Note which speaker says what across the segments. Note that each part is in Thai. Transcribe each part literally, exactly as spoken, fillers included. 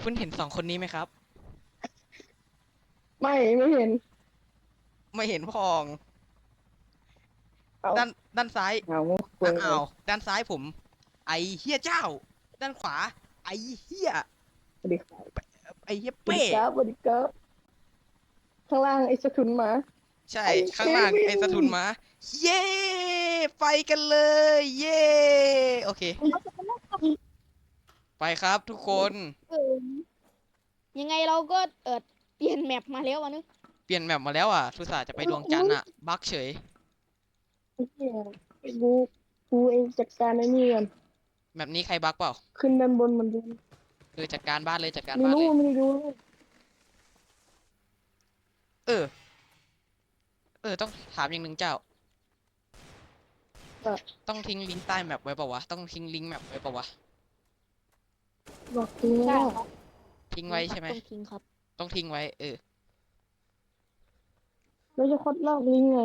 Speaker 1: คุณเห็นสองคนนี้ไหมครับ
Speaker 2: ไม่ไม่เห็น
Speaker 1: ไม่เห็นพอง
Speaker 2: เอา
Speaker 1: ด้านด้านซ้าย
Speaker 2: เอาคุยเลย
Speaker 1: อ้าวด้านซ้ายผมไอเฮียเจ้าด้านขวาไอเฮีย
Speaker 2: สวัสดีครับ
Speaker 1: ไอเฮีย
Speaker 2: สวัส
Speaker 1: เป้
Speaker 2: ดีครับสวัสดีครับข้างล่างไอ้สะทุนหมา
Speaker 1: ใช่
Speaker 2: ไอ้เค
Speaker 1: ข้างล่าง
Speaker 2: วิน
Speaker 1: ไอสะทุนมาเย้ไปกันเลยเย้โอเคไปครับทุกคน
Speaker 3: เออยังไงเราก็เออเปลี่ยนแมปมาแล้ววะนึก
Speaker 1: เปลี่ยนแมปมาแล้วอ่ะทุตส่าห์จะไปดวงจันทร์อ่ะบั๊กเฉย
Speaker 2: ไอ้เหี้ยไอ้กูกูเองจัดการไอ้นี่ก่อน
Speaker 1: แมปนี้ใครบั๊กเปล่า
Speaker 2: ขึ้นด้านบนมันดู
Speaker 1: เออจัดการบ้านเลยจัดการ
Speaker 2: ไม่รู้
Speaker 1: บ้านเลย
Speaker 2: ไม่รู้
Speaker 1: เออเออต้องถามอย่างหนึ่งเจ้า
Speaker 2: ว่า
Speaker 1: ต้องทิ้งลิงก์ใต้แมปไว้ปะวะ ต้องทิ้งลิงก์แมปไว้ปะวะ
Speaker 2: บอกจริง
Speaker 3: ใช่
Speaker 2: ว่า
Speaker 3: ครับ
Speaker 1: ทิ้งไว้ใช่ไหม
Speaker 3: ต้องทิ้งครับ
Speaker 1: ต้องทิ้งไว้เออ
Speaker 2: เราจะคดลอกลิงก์ไง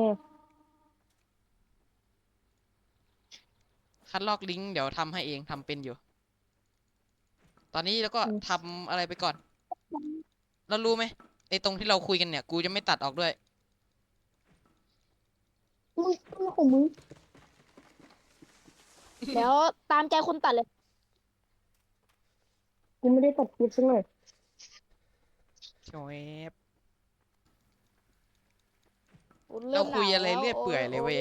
Speaker 1: คัดลอกลิงก์เดี๋ยวทำให้เองทำเป็นอยู่ ตอนนี้แล้วก็ทำอะไรไปก่อน แล้วรู้ไหมไอ้ตรงที่เราคุยกันเนี่ย กูจะไม่ตัดออกด้วย
Speaker 2: มึงมึงของมึง
Speaker 3: แล้วตามใจคนตัดเลย
Speaker 2: กูไม่ได้ตัดคลิปสักหน่อย
Speaker 1: โช่วยเรา
Speaker 3: เริ่มห
Speaker 1: คุย
Speaker 3: นาวแล้ว
Speaker 1: อะไรเรื่อย
Speaker 3: โอ้
Speaker 1: เปื่อยเลย
Speaker 3: โอ้
Speaker 1: เว้ย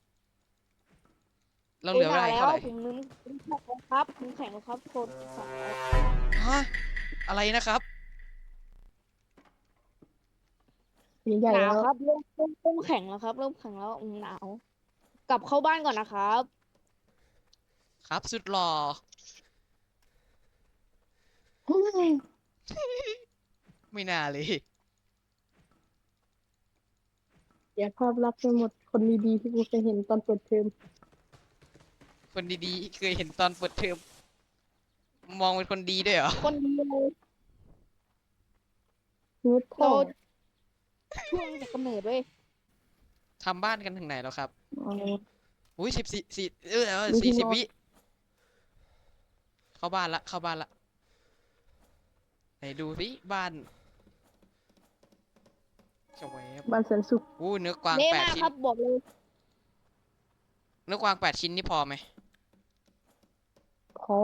Speaker 1: เรา
Speaker 3: โอ้
Speaker 1: เหลือเว
Speaker 3: ยหนาวแล้ว
Speaker 1: ลาอีกเท่าไหร่
Speaker 3: ผมนึกผมแข็งแล้วครับผมแข็งแล้วครับคนสองร้อย
Speaker 1: ฮะอะไรนะครับ
Speaker 2: ใหญ่
Speaker 3: หนาว
Speaker 2: แล้ว
Speaker 3: ครับเริ่มเริ่มเริ่มแข็งแล้วครับเริ่มแข็งแล้วอืมหนาวกลับเข้าบ้านก่อนนะครับ
Speaker 1: ครับสุดหล่อไม่น่าเลย
Speaker 2: เสียภาพลักษณ์ไปหมดคนดีๆที่กูเคยเห็นตอนเปิดเทอม
Speaker 1: คนดีๆเคยเห็นตอนเปิดเทอมมองเป็นคนดีด้วยเหรอ
Speaker 3: คนดีเลย
Speaker 2: นิดท่
Speaker 3: เรา
Speaker 2: อ
Speaker 3: ช่วงจากกำเนิดเว้ย
Speaker 1: ทำบ้านกันถึงไหนแล้วครับ
Speaker 2: อ๋อ
Speaker 1: อุ้ยสิบสี่สี่เออเออ
Speaker 2: มีที่นอน
Speaker 1: สี่สิบวิเข้าบ้านละเข้าบ้านละไหนดูสิบ้านจะแวบ
Speaker 2: บ้านแสนสุข
Speaker 1: อู้เนื้อกวาง
Speaker 3: เละ
Speaker 1: แปดชิ้น
Speaker 3: มากครับบอกเลย
Speaker 1: เนื้อกวางแปดชิ้นนี่พอไหม
Speaker 2: ขอ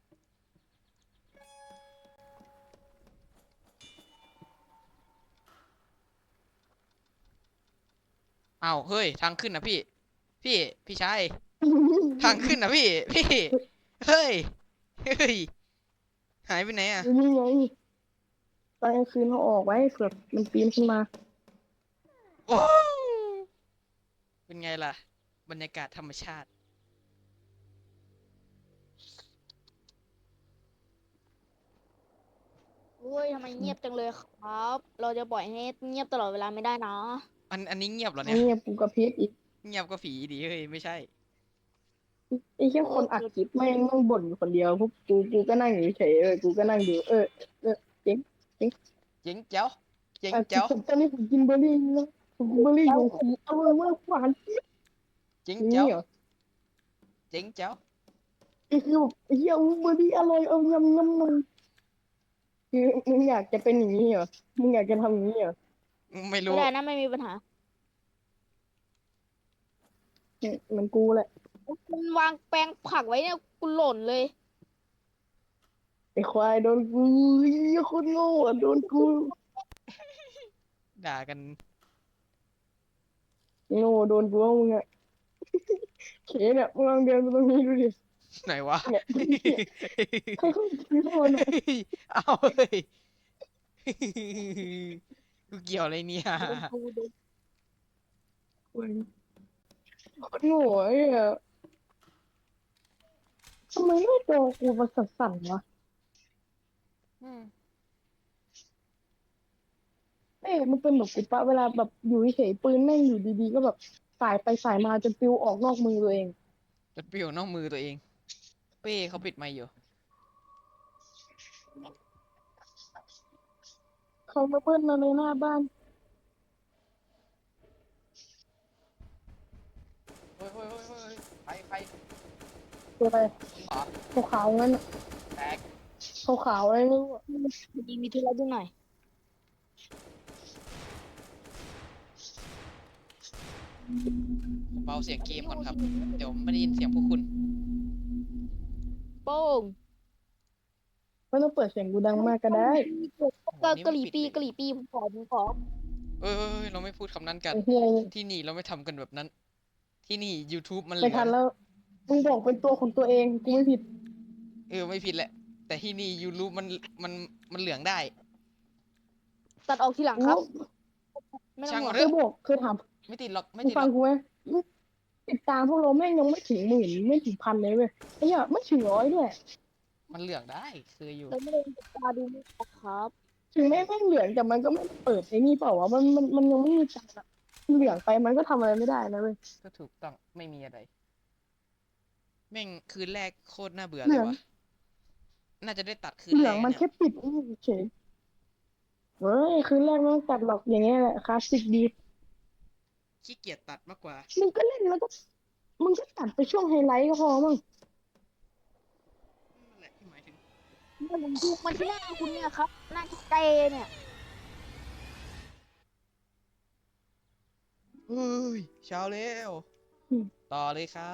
Speaker 1: อ้าวเฮ้ยทางขึ้นนะพี่พี่พี่ชายทางขึ้นนะพี่พี่เฮ้ยเฮ้ยหายไปไหนอ่ะ
Speaker 2: นี่ไงตอนกลางคืนเขาออกไว้เผื่อมันปีนขึ้นมา
Speaker 1: โอ้เป็นไงล่ะบรรยากาศธรรมชาติ
Speaker 3: โอ้ยทำไมเงียบจังเลยครับ เราจะปล่อยให้เงียบตลอดเวลาไม่ได้นะ
Speaker 1: อันอันนี้เงียบเหรอ
Speaker 2: ไอ้
Speaker 1: เนี่ย
Speaker 2: เนี่ยปูกระพริบอีก
Speaker 1: เงียบก็ผีดีเฮ้ยไม่ใช่
Speaker 2: ไอ้แค่
Speaker 3: โอ้
Speaker 2: คนอัด
Speaker 3: เกิด
Speaker 2: คลิปแม่งต้องบ่นอยู่คนเดียวพวกกูกูก็นั่งอยู่เฉยๆเออกูก็นั่งดูเออเออเจ๊งเจ๊ง
Speaker 1: เจ๋งเจ๋วเจ๋ง
Speaker 2: อ่ะ
Speaker 1: เจ๋ว
Speaker 2: ผมตอนนี้ผมกินเบอร์รี่แล้วผมกินเบอร์รี่อยู่ผมอร่อยมากหวานเจี๊ยบ
Speaker 1: เจ๋ง
Speaker 2: อย่าง
Speaker 1: เจ๋ว
Speaker 2: นี้เหรอ
Speaker 1: เจ๋งเจ๋ว
Speaker 2: ไอ้คือแบบไอ้เหี้ยเบอร์รี่อร่อยเอายำยำมันคือมึงอยากจะเป็นอย่างนี้เหรอมึงอยากจะทำอย่างนี้เหรอ
Speaker 1: ไม่
Speaker 3: ไม่
Speaker 1: รู้
Speaker 3: ได้นะไม่มีปัญหา
Speaker 2: เนี่ยเหมือนกูแหละ
Speaker 3: คุณวางแปลงผักไว้เนี่ยคุณหล่นเลย
Speaker 2: ไอ้ควายโดนกูเหี้ยโคนโง่อะโดนกู
Speaker 1: ด่ากัน
Speaker 2: โง่โดนกูว่ามึงอะเขเนี่ยมึงลองเดินไปตรงนี้ดูดิ
Speaker 1: ไหนวะ
Speaker 2: เนี่ยเนี่ยค่อยๆชี้โทษหน่อย
Speaker 1: เอาเฮ้ยกูเกี่ยวอะไรเนี่ย
Speaker 3: โดนกูโดน
Speaker 2: โอ้ยโคตรโง่ไอ้เหี้ยทำไมหน้าจอกูมันสั่นๆวะเอ้ยมันเป็นแบบกูปะเวลาแบบอยู่เฉยๆปืนแม่งอยู่ดีๆก็แบบสายไปสายมาจนปลิวออกนอกมือตัวเอง
Speaker 1: จะเปรี้ยวนอกมือตัวเองเป้เขาปิดไมค์อยู่
Speaker 2: เขามาเบิ้ลเราในหน้าบ้าน
Speaker 1: เฮ้ยเฮ้ยเฮ้ยเฮ้ยใครใคร
Speaker 2: ตัวอะไร
Speaker 1: อ๋อ
Speaker 2: ขาวๆงั้นอะ
Speaker 1: แตก
Speaker 2: ขขาวๆอะไรไม่รู้อะ
Speaker 3: มีมีธุระด้วยหน่อย
Speaker 1: ผมเบาเสียงเกมก่อนครับเดี๋ยวไม่ได้ยินเสียงพวกคุณ
Speaker 3: โป้ง
Speaker 2: ไม่ต้องเปิดเสียงกูดังมากก็ได้
Speaker 1: โหนี่
Speaker 3: กะห
Speaker 1: ไม่
Speaker 3: รี่
Speaker 1: ปิด
Speaker 3: ปี
Speaker 1: เลย
Speaker 3: กะหรี่ปีผมขอผมขอ
Speaker 1: เอ้ยเอ้ยเอ้ยเราไม่พูดคำนั้นกัน
Speaker 2: ไอ้เฮีย
Speaker 1: ที่นี่เราไม่ทำกันแบบนั้น ที่นี่ YouTube มันเห
Speaker 2: ไม่
Speaker 1: ลือ
Speaker 2: ทัน
Speaker 1: ง
Speaker 2: แล้วมึงบอกเป็นตัวของตัวเองกูไม่ผิด
Speaker 1: เออไม่ผิดแหละ แต่ที่นี่ YouTube มันมันมันเหลืองได้
Speaker 3: ตัดออกทีหลังครับ ไม่ต้องห่วง
Speaker 1: ช่างมัน
Speaker 2: เคยบอกเคยถาม
Speaker 1: ไม่ติดหรอกไม่
Speaker 2: มึง
Speaker 1: ติดห
Speaker 2: ฟั
Speaker 1: รง อก
Speaker 2: กูไหมติดตามพวกเราแม่งยังไม่ถึงหมื่นไม่ถึงพันเลยเว้ยไอ้เหี้ยไม่ถึงร้อยด้วย
Speaker 1: มันเหลืองได้เคยอยู่
Speaker 3: เราไม่ได้ติดตาดูไม่ออกครับ
Speaker 2: ถึงแม้แม่งเหลืองแต่มันก็ไม่เปิดไอ้นี่เปล่าวะมันมันมันยังไม่มีจานอะเหลืองไปมันก็ทำอะไรไม่ได้นะเว้ย
Speaker 1: ก็ถูกต้องไม่มีอะไร แม่งคืนแรกโคตรน่าเบื่อ
Speaker 2: เห
Speaker 1: เล
Speaker 2: ลื
Speaker 1: ย
Speaker 2: อง
Speaker 1: วะน่าจะได้ตัดคืน
Speaker 2: เหลื
Speaker 1: แร
Speaker 2: อง
Speaker 1: ก
Speaker 2: มัน
Speaker 1: เนี่ย
Speaker 2: แค่ปิดเฉยเฮ้ยคืนแรกไม่ต้องตัดหรอกอย่างเงี้ยแหละคลาสสิกดี
Speaker 1: ขี้เกียจตัดมากกว่า
Speaker 2: มึงก็เล่นแล้วก็มึงก็ตัดไปช่วงไฮไลท์ก็พอมั้ง
Speaker 1: นั่นแหละที่หมายถึง
Speaker 3: มันดูมันที่หน้าคุณเนี่ยครับ หน้าเจเนี่ย
Speaker 1: เฮ้ยเช้าแล้ว ต่อเลยครับ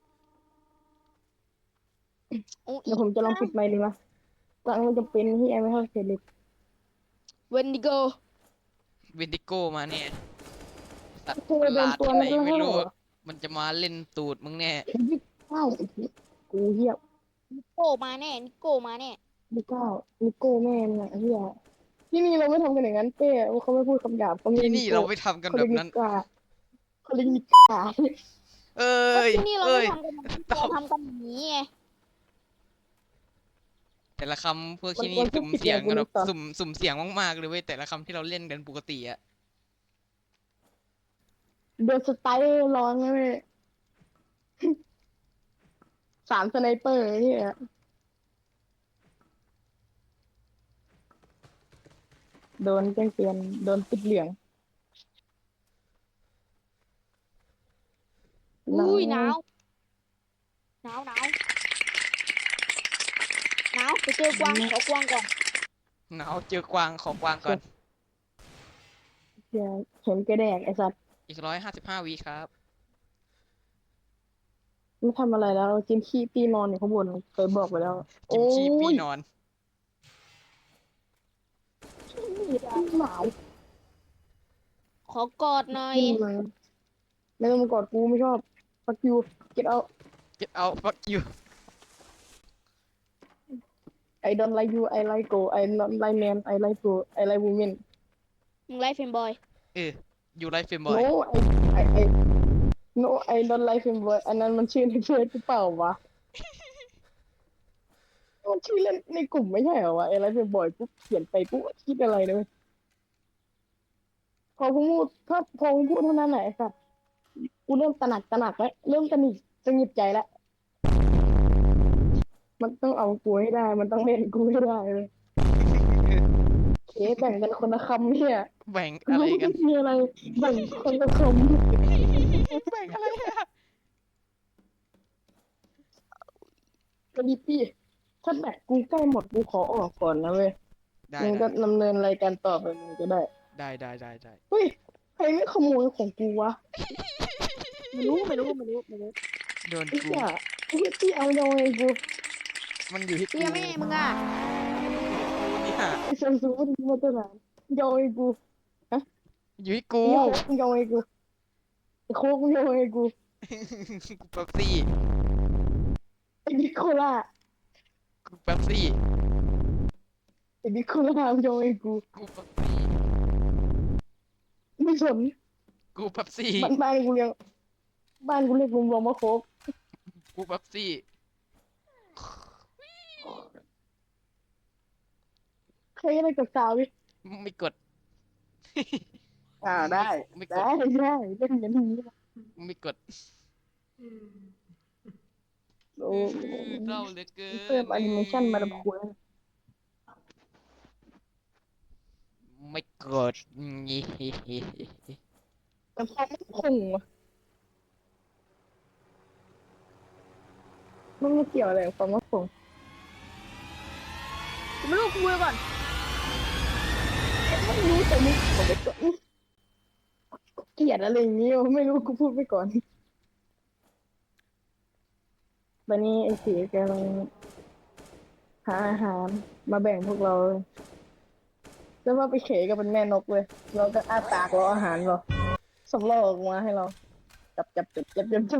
Speaker 3: โอ้
Speaker 2: เดี๋ยวผมจะลองปิดไมค์ดูนะกลางมันจะเป็นที่แอร์ไม่เท่าเสร็จเลย
Speaker 3: เวนดิโก
Speaker 1: เวนติโกมาเนี่ยสัตว์
Speaker 2: เจอ
Speaker 1: ประห
Speaker 2: โดน
Speaker 1: ลาด
Speaker 2: ตัว
Speaker 1: ที่ไหน
Speaker 2: นั้นแล้ว
Speaker 1: ไม่รู้
Speaker 2: เหรอ
Speaker 1: มันจะมาเล่นตูดมึงแน่
Speaker 2: ยี่สิบเก้ากูเหี้ย
Speaker 3: นิโก้มาแน่ นิโก้มาแน่
Speaker 2: ยี่สิบเก้านิโก้แม่งอะเหี้ยที่นี่เราไม่ทำกันอย่างนั้นเป้เขาไม่พูดคำหยาบเขาไม่
Speaker 1: ที่
Speaker 2: เรียก
Speaker 1: นี่
Speaker 2: นิโก้
Speaker 1: เราไม่ทำกัน
Speaker 2: เขา
Speaker 1: แบ
Speaker 2: เรียก
Speaker 1: บ
Speaker 2: นิ
Speaker 1: นั้น
Speaker 2: ก้าเขาเรียกนิก้า
Speaker 1: เอ้
Speaker 3: ก็
Speaker 1: ย
Speaker 3: ที่นี่เรา
Speaker 1: เอ้
Speaker 3: ไม่
Speaker 1: ย
Speaker 3: ทำกันแบบนี้
Speaker 1: ตอ
Speaker 3: เรา
Speaker 1: บ
Speaker 3: ทำกันอย่างนี้ไง
Speaker 1: แต่ละคำพวก
Speaker 2: มัน
Speaker 1: ที่นี่
Speaker 2: มันพูด
Speaker 1: สุ่ม
Speaker 2: ผิด
Speaker 1: เสียง
Speaker 2: ไงกู
Speaker 1: กัน
Speaker 2: นึ
Speaker 1: แบบ
Speaker 2: กต่อ
Speaker 1: สุ่มสุ่มเสียงมากๆเลยเว้ยแต่ละคำที่เราเล่นกันปกติอะ
Speaker 2: โดนสไตล์ร้องเลยสามสไนเปอร์เนี่ยโดนแจ้งเตือนโดนติดเหลือง
Speaker 3: อุ้ยหนาวหนาวหนาวหนาวไปเจอกวางขอกวางก่อน
Speaker 1: หนาวเจอกวางขอกวางก่อน
Speaker 2: เหี้ยเห็นแกแดกไอ้สัตว์
Speaker 1: อีกร้อยห้าสิบห้าวิครับ
Speaker 2: ไม่ทำอะไรแล้วจิ้มขี้ปีนอนอยู่ข้างบนเคยบอกไปแล้ว
Speaker 1: กิมชีปี
Speaker 2: โอ้ย
Speaker 1: นอน
Speaker 2: หนาว
Speaker 3: ขอกอดหน่อย
Speaker 2: ขึ้นมาไม่ต้องมากอดกูไม่ชอบฟักยูเก็ตเอา
Speaker 1: get out fuck you
Speaker 2: ไอ don't like you I like go I not like man I like go I like women
Speaker 3: มึงไลฟ์เฟมบอย
Speaker 1: เอออยู่ไรเฟมบอย
Speaker 2: no I I I no I don't like him boy อันนั้นมันชื่อในเฟซหรือเปล่าวะมันชื่อเล่นในกลุ่มไม่ใช่เหรอวะไอ like him boy ปุ๊บเขียนไปปุ๊บคิดอะไรเลยพอพูดถ้าพอพูดเท่านั้นแหละไอ้สัตว์กูเริ่มตระหนักตระหนักแล้วเริ่มตระหนิตระหงิดใจแล้วมันต้องเอากูให้ได้ มันต้องเล่นกูให้ได้เลยเคแบ่งกันคนละคำเนี่ย
Speaker 1: แบ่งอะไรกัน
Speaker 2: มีอะไรแบ่งคนละค
Speaker 1: แบ่งอะไรอะ
Speaker 2: ำกระดิปี้ถ้าแบตกูใกล้หมดกูขอออกก่อนนะเว้ย
Speaker 1: ได้
Speaker 2: มึง
Speaker 1: ได้
Speaker 2: ก็ดำเนินรายการต่อไปมึงก็ได้
Speaker 1: ได้ได้ได้ได้
Speaker 2: เฮ้ยใครไม่ขโมยของกูวะ
Speaker 3: ไม่รู้ไม่รู้ไม่รู้ไม่รู้
Speaker 1: โดน
Speaker 2: ไอ้
Speaker 1: กู
Speaker 2: เหี้ยไอ้เหี้ยที่เอาโยงไอ้กู
Speaker 1: มันอยู่ที่กู
Speaker 3: เตี้ยแม่มึงอ่ะ
Speaker 1: เนี่ย
Speaker 2: ไอ้ซัมซุงมันมาตั้งนานโยงไอ้กู
Speaker 1: อยู่ที่กู
Speaker 2: ไอ้โค้กโยงไอ้กูไอ้โค้กโยงไอ้กู
Speaker 1: กูเป๊ปซี่
Speaker 2: ไอ้นิโคล่า
Speaker 1: กูเป๊ปซี่
Speaker 2: ไอ้นิโคล่าโยงไอ้กู
Speaker 1: กูเป๊ปซี่
Speaker 2: ไม่สน
Speaker 1: กูเป๊ปซี่
Speaker 2: บ้านบ้านกูเรียกบ้านกูเรียกรวมๆว่าโค้ก
Speaker 1: กูเป๊ปซี่
Speaker 2: ใครอะไรกับสาวดิ
Speaker 1: ไม่กด
Speaker 2: อ่าได้
Speaker 1: ไม่ก
Speaker 2: ได้
Speaker 1: ด
Speaker 2: ได้เล่นอย่างนี้นะ
Speaker 1: ไม่กด
Speaker 2: โอ้
Speaker 1: เศร้าเหลือเกิน
Speaker 2: เพิ่มแอนิเมชันมาดับคุย
Speaker 1: ไม่กดงี้
Speaker 2: แต่พอไม่คงวะมันไม่เกี่ยวอะไรกับความว่าคง
Speaker 3: กูไม่รู้กูคุยก่อน
Speaker 2: ไม่รู้แต่มึงบอกไปก่อนเกลียดอะไรอย่างงี้วะไม่รู้กูพูดไปก่อนตอนนี้ไอ้เสียกำลังหาอาหารมาแบ่งพวกเราแล้วว่าไปเขยกับเป็นแม่นกเลยเราก็อ้าปากรออาหารเราสำรอกออกมาให้เราจับจับจับจับจับจับ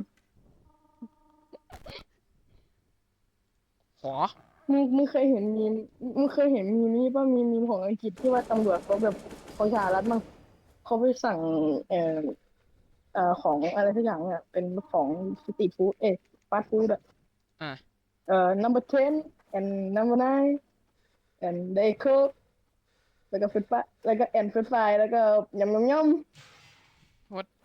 Speaker 1: ขอ
Speaker 2: มึงมึงเคยเห็นมีมมึงเคยเห็นมีมนี่ป่ะมีมีมของอังกฤษที่ว่าตำรวจเขาแบบของสหรัฐมั้งเขาไปสั่งเอ่อเอ่อของอะไรทุกอย่างเนี่ยเป็นของสตรีทฟู้ดเอ๊ะฟาสต์ฟู้ดอะ
Speaker 1: อ่ะ
Speaker 2: เอ่อ number ten and number nine and they cook แล้วก็เฟรนช์ฟรายแล้วก็ and เฟรนช์ฟรายแล้วก็ยำยำยำ
Speaker 1: what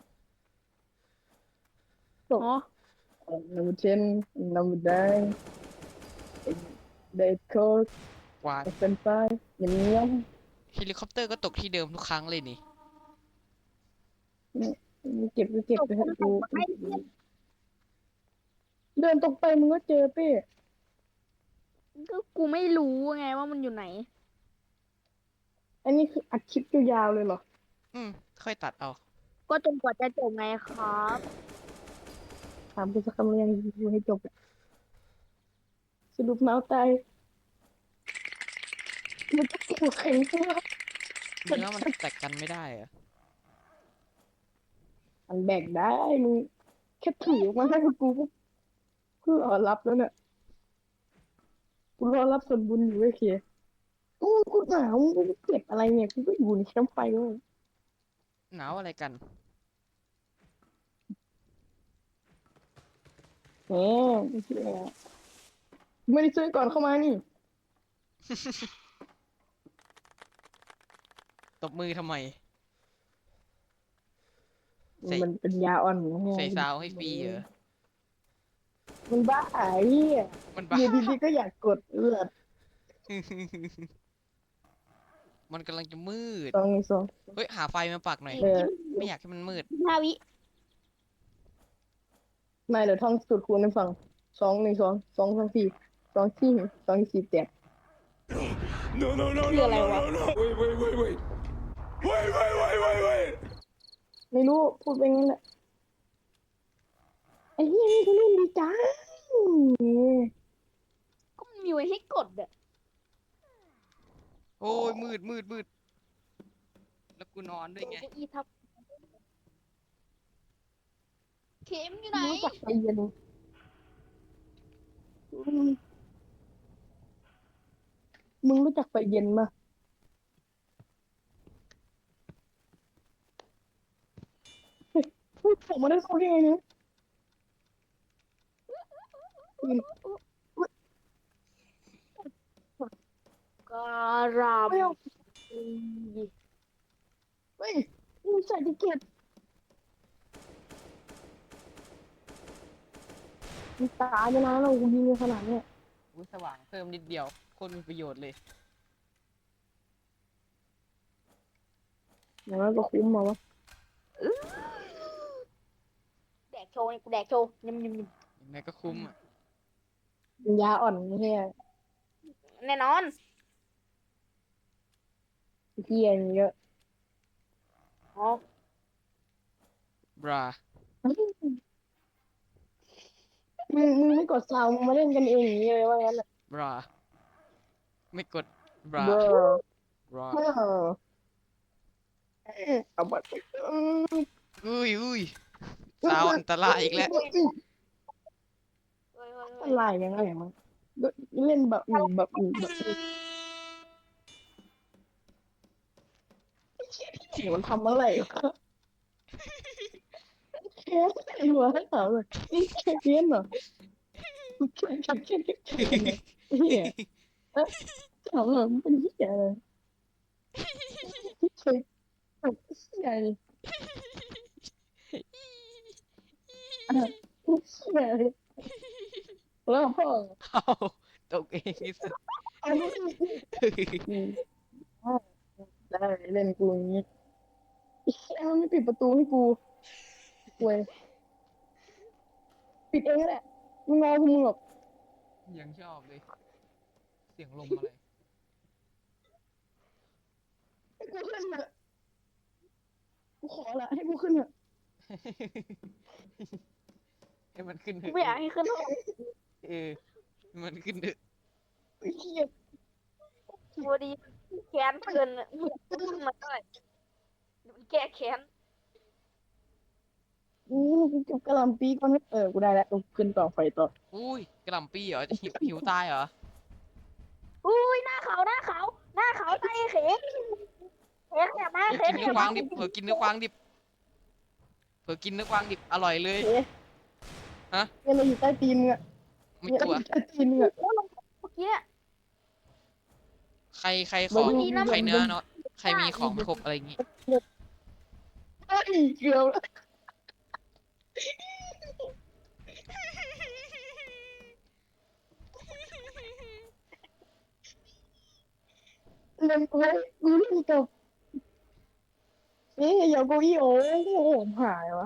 Speaker 2: จบ
Speaker 3: อ๋อ
Speaker 2: number ten number nine and they cook
Speaker 1: กวาด
Speaker 2: and เฟรนช์ฟรายยำยำ
Speaker 1: เฮลิคอปเตอร์ก็ตกที่เดิมทุกครั้งเลยนี่
Speaker 2: เก็บก็เก็บ
Speaker 3: จบ
Speaker 2: ไป
Speaker 3: ค
Speaker 2: ให้
Speaker 3: น
Speaker 2: กู
Speaker 3: ส่งมาให้เพื่อน
Speaker 2: เดินตรงไปมึงก็เจอเป้
Speaker 3: ก็กูไม่รู้ไงว่ามันอยู่ไหน
Speaker 2: อันนี้คืออัดคลิปยาวๆเลยเหรอ
Speaker 1: อืมค่อยตัดเอา
Speaker 3: ก็จนกว่าจะจบไงครับ
Speaker 2: ถามกูสักคำเรียงดูให้จบอะสรุปเมาส์ตายมันจะเกี่ยวแข็งตัว
Speaker 1: เนื้อมันแตกกันไม่ได้เหรอะ
Speaker 2: มันแบกได้มึงแค่ถือออกมาให้กูก็กูรอรับแล้วเนี่ยกูรอรับส่วนบุญอยู่ไอ้เคียกูกูหนาวกูเก็บอะไรเนี่ยกูก็อยู่ในแคมป์ไฟเลย
Speaker 1: หนาวอะไรกัน
Speaker 2: แหมไม่เชื่อไม่ได้ซื้อก่อนเข้ามานี่
Speaker 1: ตบมือทำไม ใส่
Speaker 2: มันเป็นยาอ่อนไง
Speaker 1: ใส่ซาวให้ฟรีเหรอ
Speaker 2: มันบ้าไอ้เหี้ย
Speaker 1: มันบ้า
Speaker 2: อยู่ดีๆก็อยากกดเลือด
Speaker 1: มันกำลังจะมืด
Speaker 2: สองสอง
Speaker 1: เฮ้ย หาไฟมาปักหน่อย
Speaker 2: เออ
Speaker 1: ไม่อยากให้มันมืด
Speaker 3: ห้าวิ
Speaker 2: ไม่เดี๋ยวท่องสูตรคูณให้ฟังสองหนึ่งสองสองสองสี่สองสี่สองสี่แปด
Speaker 4: No, no, no,
Speaker 3: Chưa
Speaker 4: no,
Speaker 3: lại
Speaker 4: no,
Speaker 3: quá.
Speaker 4: no, no. Wait, wait, wait, wait. Wait, wait, wait, wait, wait.
Speaker 2: ไม่รู้พูดไปงั้นแหละไอ้เหี้ยนี่เขาเล่นดีจัง
Speaker 3: ก็มันมีไว้ให้กดอะ
Speaker 1: โอ้ยมืดมืดมืดแล้วกูนอนด้วยไง
Speaker 3: เก้าอี้ทับเข็มอยู่ไหน
Speaker 2: รู้จักใจเย็นอืมมึงรู้จักไฟเย็นปะเฮ้ยเฮ้ยผมมาได้เขาได้ไงเนี่ยอืม
Speaker 3: การาม
Speaker 2: ไม่เอาเฮ้ยมึงใส่ดิเกตมึงตายไปนานแล้วกูยิงไปขนาดเนี้ย
Speaker 1: อุ้ยสว่างเพิ่มนิดเดียวโคตรมีประโยชน์เลย
Speaker 2: อย่างนั้นก็คุ้มมาวะ
Speaker 3: แดกโชว์เนี่ยกูแดกโชว์ยำยำย
Speaker 1: ยังไงก็คุ้มอ่ะ
Speaker 2: ยาอ่อนไม่ใช่
Speaker 3: ำแน่นอน
Speaker 2: เฮียเยอะ
Speaker 3: อ๋อบ
Speaker 1: รา
Speaker 2: มึงมึงไม่กดซาวมึงมาเล่นกันเองอย่างนี้เลยว่างั้นแหละ
Speaker 1: บรา ไม่กด บรา
Speaker 2: เบอร์
Speaker 1: บรา
Speaker 2: เบอร์เอาบัตร
Speaker 1: อุ้ยอุ้ยสาวอันตรายอีกแล้ว
Speaker 3: เฮ้ยเฮ้ยเฮ้
Speaker 2: อะ
Speaker 3: ย
Speaker 2: ไรยังไงมั้งเล่นแบบอื่นแบบอื่นแบบอื่นเสียมันทำอะไรวะแค่ไอ้หัวถามเลยนี่แค่เพี้ยนเหรอแค่แค่แค่แค่แค่เฮียเอ๊ะถามเลยมันเป็นเฮียอะไรเฮียเฮียเลยอ่ะเฮียเลยแล้วพ่อ
Speaker 1: เอาตกเองนี่สุด
Speaker 2: อันนี้อืมได้เล่นกูอย่างนี้ไอ้เหี้ยมันไม่ปิดประตูให้กูเว้ยปิดเองก็แหละมึงงอกูมึงหรอก
Speaker 1: ยังชอบเลย เสียงลมอะไร
Speaker 2: ขอละให้กูขึ้นเถอะ
Speaker 1: ให้มันขึ้นเถ
Speaker 3: กู
Speaker 1: อะ
Speaker 3: ไม่อยากให้ขึ้นห้อง
Speaker 1: เออให้มันขึ้นเถอะ
Speaker 2: ไอ้เหี้ย
Speaker 3: ตัวดีแค้นเกินอะมึงขึ้นมาหน่อยเดี๋ยวมันแก้แค้น
Speaker 2: อู้กูเก็บกระหล่ำปีก่อนเออกูได้แล้วกูขึ้นต่อไฟต่อ
Speaker 1: อุ้ยกระหล่ำปีเหรอจะหิวหิวตายเหรอ
Speaker 3: อุ้ยหน้าเขาหน้าเขาหน้าเขาใจเข๋เข๋ขยับมา
Speaker 1: เฮ้ย
Speaker 3: เข๋
Speaker 1: กิน
Speaker 3: ข
Speaker 1: เนื้
Speaker 3: ยั
Speaker 1: อบ กวา
Speaker 3: มาง
Speaker 1: ดิบเผื่อกินเนื้อกวางดิบเผื่อกินเนื้อกวางดิบอร่อยเลย
Speaker 2: เอ๊ะ
Speaker 1: ฮะ
Speaker 2: เนี่ยเราอยู่ใต้ตีนมึงอะ
Speaker 1: ไม่
Speaker 2: เนี่ย
Speaker 1: กลัว
Speaker 2: เราอยู่ใต้ตีนมึงอะ
Speaker 3: โอ้ลงเมื่อกี้
Speaker 1: ใครใครขอ
Speaker 2: เดี๋ยว
Speaker 1: ใครเนื้อเนาะใครมีของครบอะไรอย่างงี้
Speaker 2: เอ้ยเกือบแล้วเล่นกูกูเล่นกับเอ๊ะอย่าโกอี้โอ้โหผมหายวะ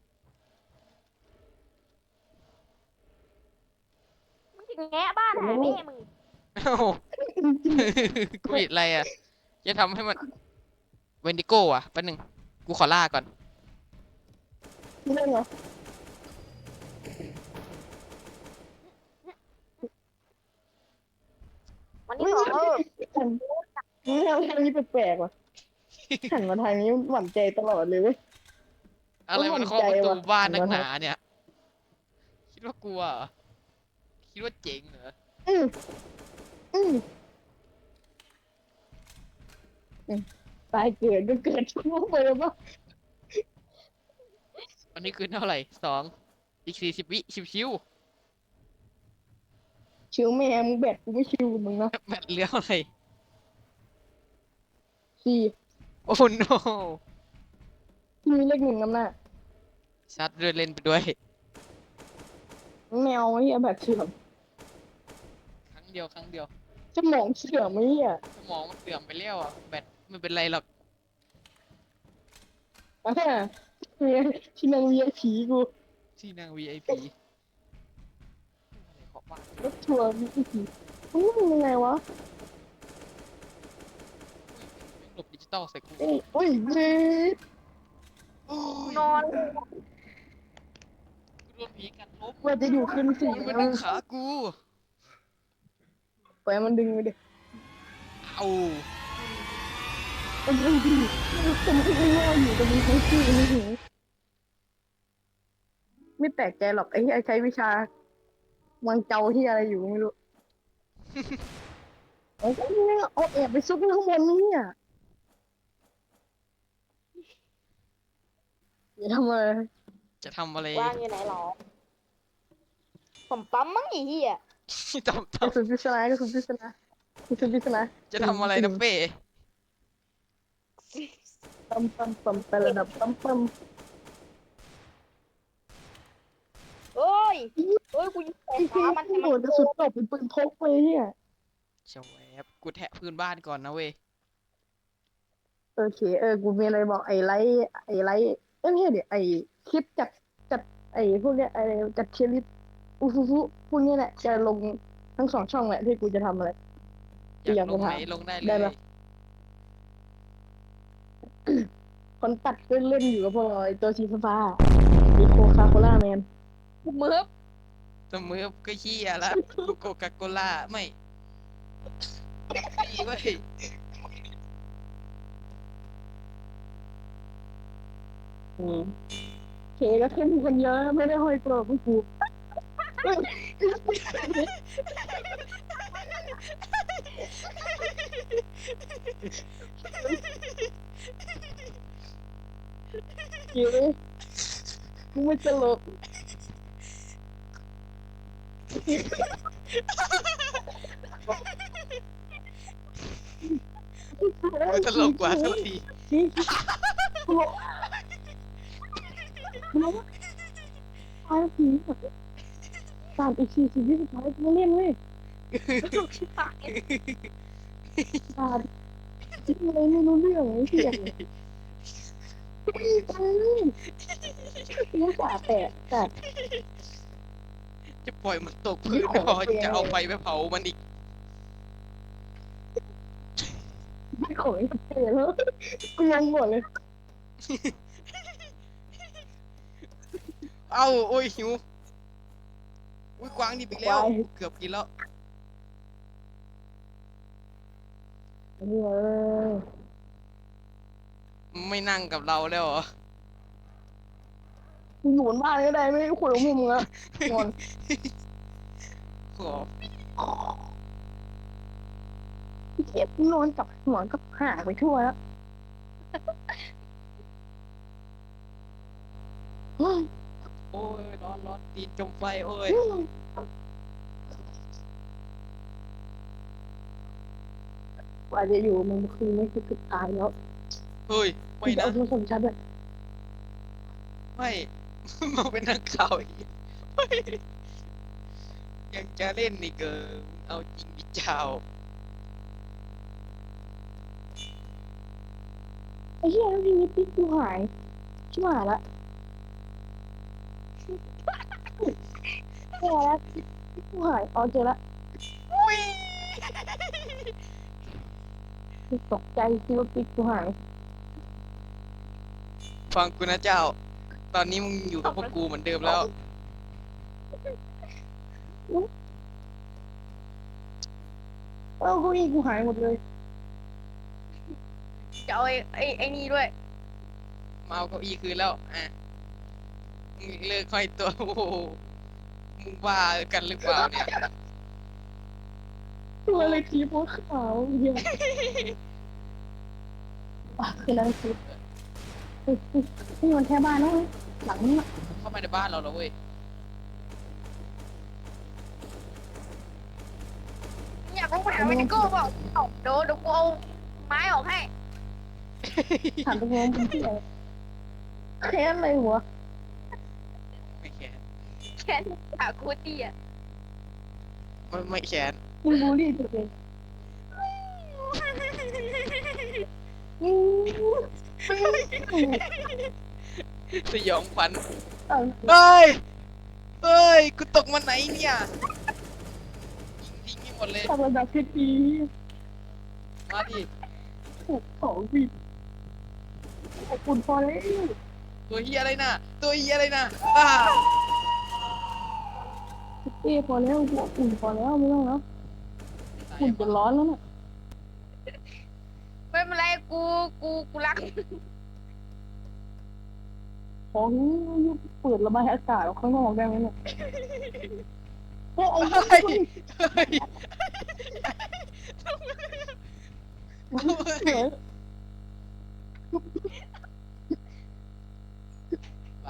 Speaker 3: มึงจะแงะบ้านหาแม่มึง
Speaker 1: เอ้า กูผิดอะไรอ่ะจะทำให้มันเวนดิโก้อ่ะแป๊บนึงกูขอล่าก่อน
Speaker 2: ไม่เล่นเหรอ
Speaker 3: วันนี้ขอเออ
Speaker 2: หันนี่ทางทางนี้แปลกๆว่ะหันมาทางนี้หวั่นใจตลอดเลยเว้ย
Speaker 1: อะไรมันเคาะประตูบ้านนักหนาเนี่ย คิดว่ากลัวเหรอคิดว่าเจ๋งเหรอ
Speaker 2: อืมอืมอืมตายเกิดก็เกิดชั่วโมงไปแล้วปะ
Speaker 1: อันนี้คือเท่าไหร่สองอีกสี่สิบวิชิว
Speaker 2: ชิวแม่มึงแบตกูไม่ชิวกับมึงนะ
Speaker 1: ๆแมตช์เหลืออะไร
Speaker 2: สี่
Speaker 1: โอ้โน
Speaker 2: มีเลขหนึ่งนำหน้า
Speaker 1: ชัดเดินเล่นไปด้วย
Speaker 2: แมวไอ้เหี้ยแบตเสื่อม
Speaker 1: ครั้งเดียวครั้งเดียว
Speaker 2: สมองเสื่อมไอ้เหี้ย
Speaker 1: สมองมันเสื่อมไปแล้วอ่ะแบตไม่เป็นไรหรอก
Speaker 2: อ่าเนี่ยที่นั่งเวียผีกู
Speaker 1: ที่นั่ง วี ไอ พี อะไรขอบบ้าน
Speaker 2: รถทัวร์วีไอพีมันเป็นยังไงวะ
Speaker 1: แม่งหลบดิจิตอลใส่กู
Speaker 2: เอ้ยโอ้ยเย้
Speaker 1: โอ้ย
Speaker 3: นอน
Speaker 1: กูโดนผีกัดล้ม
Speaker 2: ว่าจะอยู่คืนสี่
Speaker 1: มัน
Speaker 2: เอา
Speaker 1: ดึงขากู
Speaker 2: ปล่อยมันดึงไปดิ
Speaker 1: เอา
Speaker 2: มันดึงดิผมคิดว่าอยู่ตรงนี้ทั้งที่ไม่ถึงไม่แปลกใจหรอกไอ้ที่ใช้วิชาวังเจ้าที่อะไรอยู่ไม่รู้ ไอ้ก็เนี่ยเอาแอบไปซุกข้างบนนี่อ่ะอย่าทำอะไร
Speaker 1: จะทำอะไร
Speaker 3: วางอยู่ไหนหรอผมปั๊มมั้งไอ้เหี้ย
Speaker 1: ทำ
Speaker 2: ก
Speaker 1: ท
Speaker 2: ระสุนพิศนากระสุนพิศนากระสุนพิศนา
Speaker 1: ำจะทำอะไรนะเป้
Speaker 2: ปั๊มปั๊มปั๊มไประดับปั๊มปั๊ม
Speaker 3: เอ้ยเอ้ยกูยิงใส่
Speaker 2: ไอ้
Speaker 3: ขา
Speaker 2: ที่
Speaker 3: มัน
Speaker 2: ที่
Speaker 3: ทำ
Speaker 2: โห
Speaker 3: ไม
Speaker 2: ดกระสุนตกเป็นปืนพกไปเนี่ย
Speaker 1: เฉวบกูแทะพื้นบ้านก่อนนะเว้ย
Speaker 2: โอเคเออกูมีอะไรบอกไอ้ไลท์ไอ้ไลท์เอ้ยไม่ใช่เดี๋ยวไอ้คลิปจัดจัดไอ้พวกเนี้ยไอ้จัดเทียร์ลิสต์อูฟูฟูพวกเนี้ยแหละจะลงทั้งสองช่องแหละที่กูจะทำอะไร
Speaker 1: อยากลงไหนลงได้
Speaker 2: ได้
Speaker 1: เล
Speaker 2: ปะ
Speaker 1: ย
Speaker 2: คนตัดก็เล่นอยู่กับพวกเราไอ้ตัวสีฟ้าๆมีโคคาโคล่าแมน
Speaker 3: กูมือบ
Speaker 1: เสมอก็เฮียละโกกาโกล่าไม่ดีเว้ย
Speaker 2: อืมเคก็เข้มคนเยอะไม่ได้ห้อยตัวกูกูเก๋กูไม่ตลก
Speaker 1: มันตลกกว่าทุกที
Speaker 2: นี่ตลกตลกตายผีตามอีกสี่สิบวิสุดท้ายกูมาเล่นเว้ยตามคิดอะไรไม่รู้เรื่องไอ้เหี้ยไม่ตายกูสาแตกแต่
Speaker 1: จะปล่อยมันตกพื้นไม่พอจะเอาไฟไปเผามันอีก
Speaker 2: ไม่ของไอ้เตะแล้วกูงงหมดเลย
Speaker 1: เอ้าโอ้ยหิวอุ้ยกวางดิบอีกแล้ว
Speaker 2: ควาย
Speaker 1: เกือบกินแล้ว
Speaker 2: อันนี้เลย
Speaker 1: ไม่นั่งกับเราแล้วเหรอ
Speaker 2: อยู่บนบ้านก็ได้ไม่ได้คุยกับมึงอะงอน
Speaker 1: ขอ
Speaker 2: เก็บนอนกับหัวกับหางไปทั่วแล้วเฮ้ย
Speaker 1: โอ้ยร้อนร้อนตีนจมไฟโอ้ย
Speaker 2: กว่าจะอยู่มันคือไม่คือสุดท้ายแล้ว
Speaker 1: เฮ้ย
Speaker 2: คุ
Speaker 1: ไม่
Speaker 2: ณจะ
Speaker 1: นะ
Speaker 2: เอาโทรศัพท์ชัดเลย
Speaker 1: ไม่ มาเป็นนักข่าวอีกเฮ้ยยังจะเล่นอีกเกินเอาจริงดิเจ้า
Speaker 2: ไอ้เหี้ยพี่นิดพี่กูหายชิบหายละแย่แล้วพี่กูหายอ๋อเจอละ
Speaker 1: อุ้ย
Speaker 2: ตกใจคิดว่าพี่กูหาย
Speaker 1: ฟังกูนะเจ้า ตอนนี้มึงอยู่กับพวกกูเหมือนเดิมแล้ว
Speaker 2: เอ้าเก็อีกูหายหมดเลย
Speaker 3: จะเอาไอ้ไอ้ไอ้นี่ด้วย
Speaker 1: มาเอาเก้าอี้คืนแล้ว อ่ะมึงเลิกห้อยตัว โอ้โหมึงบ้ากันหรือเปล่าเนี่ย
Speaker 2: ตัวอะไรทีโพสขาวเหี้ยอ่ะคืออะไรคือเฮ้ยเฮ้ยนี่มันแค่บ้านนะเว้ยหลังนี้อะ
Speaker 1: เข้ามาในบ้านเราแล้วเว้ย
Speaker 3: อยากรู้หาวินิโก้เปล่าเอาเดี๋ยวเดี๋ยวกูเอาไม้ออกให้
Speaker 2: ถามตรงๆเป็นที่อะไรแค้นอะไรหัว
Speaker 1: ไม่แขน
Speaker 3: แค่หาคูตี้อ่ะ
Speaker 1: ไม่ไม่แขน
Speaker 2: มึงบูลลี่ตัวเองอืม
Speaker 1: สยองขวัญ
Speaker 2: เอ้า
Speaker 1: เฮ้ย เฮ้ย กูตกมาไหนเนี่ย ยิงทิ้งให้หมดเลย
Speaker 2: ทำระดับที่ดี
Speaker 1: มาดิ
Speaker 2: ถูกของผิดขอบคุณพอแล้ว
Speaker 1: ตัวเฮียอะไรน่ะ ตัวเฮียอะไรน่ะอ้า
Speaker 2: เอ้พอแล้วหัวอุ่นพอแล้วไม่ต้องแล้วอุ่นจะร้อนแล้วน่ะ
Speaker 3: ไม่เป็นไรกูกูกูรัก
Speaker 2: ของนี่เปิดระบายอากาศออกข้างนอกได้ไหมเนี่ยโอ้ย
Speaker 1: เฮ้ยเฮ้ย
Speaker 2: เฮ้ย
Speaker 1: ไป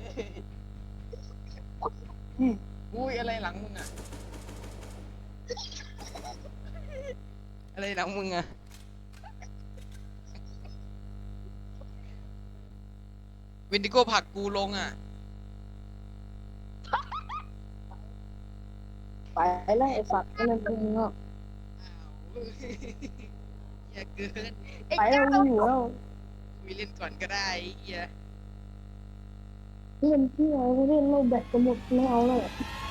Speaker 1: อุ้ยอะไรหลังมึงอะอะไรหลังมึงอะวินดิโก้ผลักกูลงอะ
Speaker 2: ไปแล้วไอ้สัตว์ก็เลยเป็นเงาะ
Speaker 1: อ้าวอย่าเกิน
Speaker 3: ไอ้
Speaker 2: ไปแล้ว
Speaker 3: เจ้า
Speaker 2: มึงอยู่แล้ว
Speaker 1: คุยเล่นก่อนก็ได้ไอ้เฮีย
Speaker 2: เล่นที่อะไรไม่เล่นเราแบตจะหมดไม่เอาเลย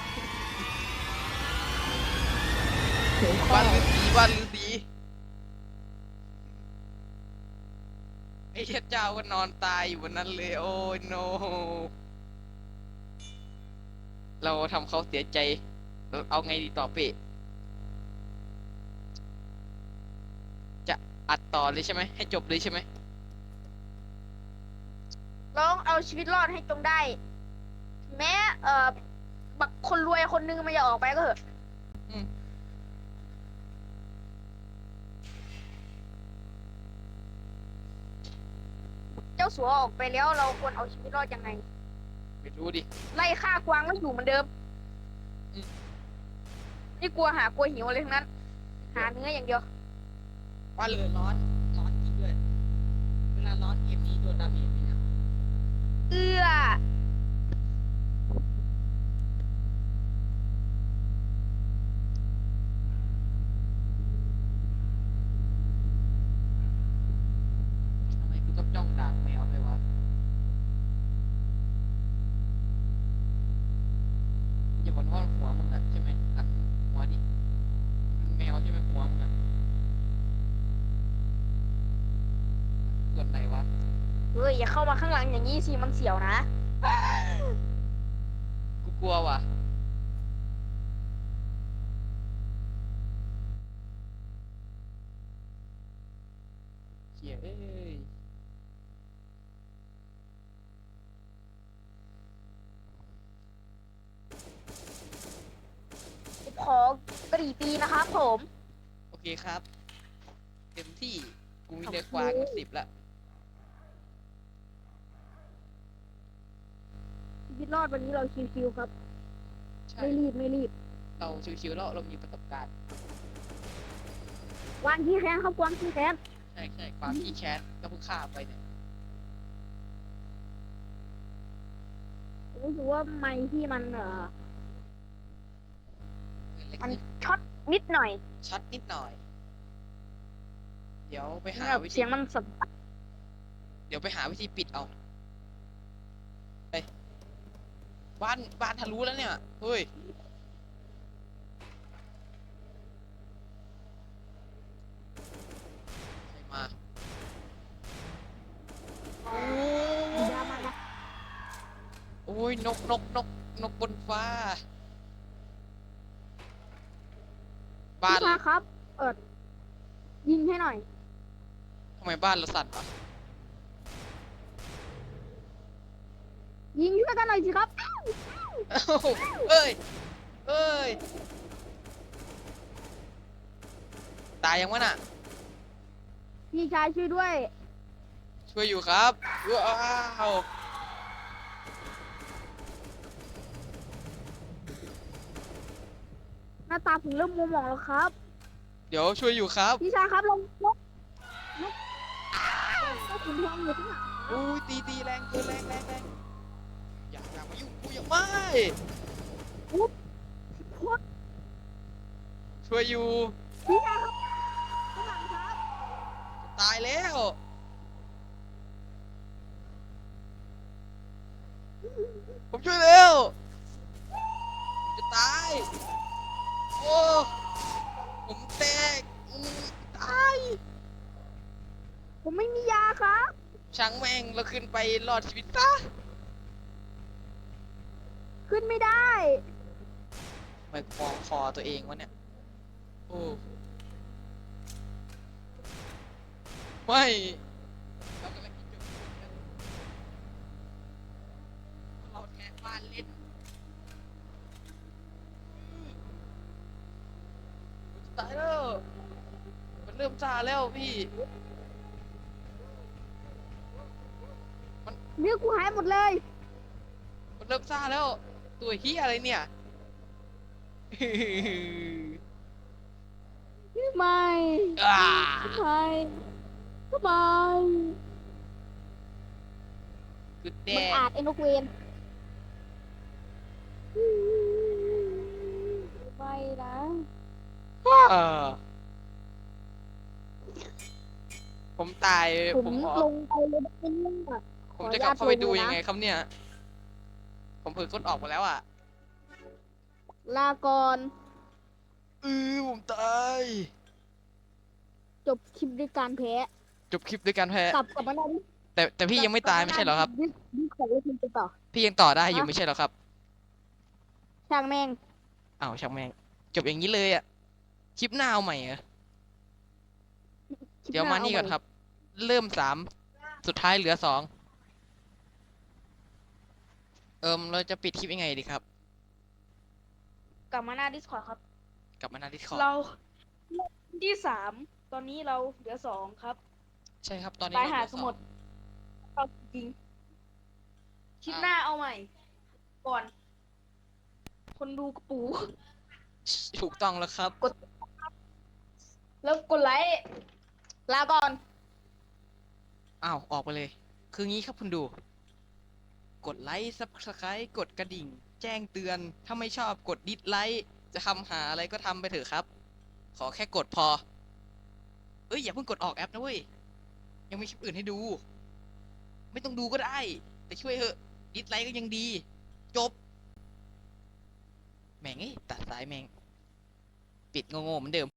Speaker 2: เสียง
Speaker 1: บ้า
Speaker 2: ข้าน
Speaker 1: ฤาษีบ้านฤาษีไอ้เหี้ยเจ้าก็นอนตายอยู่บนนั้นเลย โอ้ยโน เราทำเขาเสียใจเราเอาไงดีต่อเปะจะอัดต่อเลยใช่ไหมให้จบเลยใช่ไหม
Speaker 3: ลองเอาชีวิตรอดให้จงได้ แม้เอ่อบักคนรวยคนนึงมันจะออกไปก็เถอะ
Speaker 1: อืม
Speaker 3: เจ้าสัวออกไปแล้วเราควรเอาชีวิตรอดยังไง
Speaker 1: ไม่รู้ดิ
Speaker 3: ไล่ฆ่ากวางก็อยู่เหมือนเดิม
Speaker 1: อืม
Speaker 3: นี่กลัวหากลัวหิวอะไรทั้งนั้น หาเนื้ออย่างเดียว
Speaker 1: ว่าเรือร้อนร้อนจริงด้วยเวลาร้อนเกมนี้โดนดาเมจไหมเนี่ย
Speaker 3: เอื้อ
Speaker 1: ทำไมกูต้องจ้องด่าแมวด้วยวะอย่าบอกว่าหัวมึงอะใช่ไหมหันหัวดิมันแมวใช่ไหมหัวมึงอะส่วนไหนวะ
Speaker 3: เฮ้ยอย่าเข้ามาข้างหลังอย่างนี้สิมันเสียวนะ
Speaker 1: กลัวว่ะเฮียเอ้ย
Speaker 3: ขอกรีปีนะครับผม
Speaker 1: โอเคครับ เต็มที่กูมีเรือกวางมาสิบละ
Speaker 3: ชีวิตรอดวันนี้เราชิวๆครับ
Speaker 1: ใช่
Speaker 3: ไม่รีบไม่รีบ
Speaker 1: เราชิวๆแล้วเรามีประสบการณ์
Speaker 3: วางที่แค้นครับวางที่แค้น
Speaker 1: ใช่ใช่ความขี้แค้นก็เพิ่งฆ่าไปเนี่ย
Speaker 3: รู้สึกว่าไม้ที่มันเอ่อ
Speaker 1: เล็ก
Speaker 3: มัน
Speaker 1: นิด
Speaker 3: ช็อตนิดหน่อย
Speaker 1: ช็อตนิดหน่อย เดี๋ยวไปหา
Speaker 3: แบบ
Speaker 1: วิธี
Speaker 3: เสียงมันสด
Speaker 1: เดี๋ยวไปหาวิธีปิดเอาไปบ้านบ้านทะลุแล้วเนี่ยเฮ้ยใครมาโอ้
Speaker 3: ยามันนะ
Speaker 1: โอ้ยนกนกนกนกบนฟ้า บ้าน
Speaker 3: พี่ชาครับ เอิดยิงให้หน่อย
Speaker 1: ทำไมบ้านเราสั่นวะ
Speaker 3: ยิงช่วยกันหน่อยสิครับ
Speaker 1: เอ้าเอ้ยเอ้ยตายยังวะน่ะ
Speaker 3: พี่ชายช่วยด้วย
Speaker 1: ช่วยอยู่ครับว้าว
Speaker 3: หน้าตาผมเริ่มมัวหมองแล้วครับ
Speaker 1: เดี๋ยวช่วยอยู่ครับ
Speaker 3: พี่ชายครับลงนกนกก็ขุนทองอยู่ที่ไหน
Speaker 1: อุ้ยตีตีแรงเกินแรงแรงแรงอย่าอย่ามายุ่งกูอย่าไม่
Speaker 3: ปุ๊บโคตร
Speaker 1: ช่วยอยู่
Speaker 3: พี่ชายครับข้างหลังครับ
Speaker 1: ตายแล้วผมช่วยเร็วผมจะตายโอ้ผมแตกอุ้ยตาย
Speaker 3: ผมไม่มียาครับ
Speaker 1: ช่างแม่งเราขึ้นไปรอดชีวิตซะ
Speaker 3: ขึ้นไม่ได้
Speaker 1: ทำไมมองคอตัวเองวะเนี่ยโอ้ไม่เรากำลังคิดอยู่เราแทนบ้านเล่นตายแล้วมันเริ่มซาแล้วพี่
Speaker 3: เนื้อกูหายหมดเลย
Speaker 1: มันเริ่มซาแล้ว ตัวเฮียอะไรเนี่ย
Speaker 3: ไม่
Speaker 1: อ่า
Speaker 3: ไม่ทำไม
Speaker 1: คือแด
Speaker 3: มัน
Speaker 1: ง
Speaker 3: อาจไอ้นกเวนไม่นะ
Speaker 1: อ่าผมตาย
Speaker 3: ผม
Speaker 1: ผมขอ
Speaker 3: ลงไปเลยได้ไหมเนี่ย
Speaker 1: ผมจะกลับเข้าไปดู
Speaker 3: ขออนุญาตลงเลยนะ
Speaker 1: ยังไงครับเนี่ย ผมเผลอกดออกไปแล้วอ่ะ
Speaker 3: ลาก่อน
Speaker 1: เออผมตาย
Speaker 3: จบคลิปด้วยการแพ้
Speaker 1: จบคลิปด้วยการแพ้
Speaker 3: กลับกลับมาได้
Speaker 1: แต่แต่พี่ยังไม่ตายไม่ใช่เหรอครับ
Speaker 3: ดิดิขอเล่นกันต่อ
Speaker 1: พี่ยังต่อได้อยู่
Speaker 3: ฮะ
Speaker 1: ไม่ใช่เหรอครับ
Speaker 3: ช่างแม่ง
Speaker 1: อ้าวช่างแม่ง จบอย่างนี้เลยอ่ะ คลิปหน้าเอาใหม่เหรอ
Speaker 3: คลิป
Speaker 1: เดี๋ยว
Speaker 3: ห
Speaker 1: มานี่ก่อนครับ เริ่มสาม สุดท้ายเหลือสอง เอิมเราจะปิดคลิปยังไงดีครับ
Speaker 3: กลับมาหน้า Discord ครับ
Speaker 1: กลับมาหน้าดิสคอร์
Speaker 3: เราที่สามตอนนี้เราเหลือสองครับ
Speaker 1: ใช่ครับ ตอนนี้
Speaker 3: ตาย
Speaker 1: เร
Speaker 3: หา
Speaker 1: เหลือ
Speaker 3: ส
Speaker 1: อง
Speaker 3: มุดเอาจริงคลิปหน้าเอาใหม่ ก่อน คนดูกระปู
Speaker 1: ถูกต้องแล้วครับ
Speaker 3: แล้วกดไลค์ลาก่อน
Speaker 1: อ้าว ออกไปเลย คืองี้ครับคุณดู กดไลค์ ซับสไครต์กดกระดิ่ง แจ้งเตือน ถ้าไม่ชอบกดดิสไลค์ จะทำหาอะไรก็ทำไปเถอะครับ ขอแค่กดพอ เอ้ย อย่าเพิ่งกดออกแอปนะเว้ย ยังมีคลิปอื่นให้ดู ไม่ต้องดูก็ได้ แต่ช่วยเถอะ ดิสไลค์ก็ยังดี จบ แม่งไอ้ยตัดสายแม่ง ปิดโง่ๆเหมือนเดิม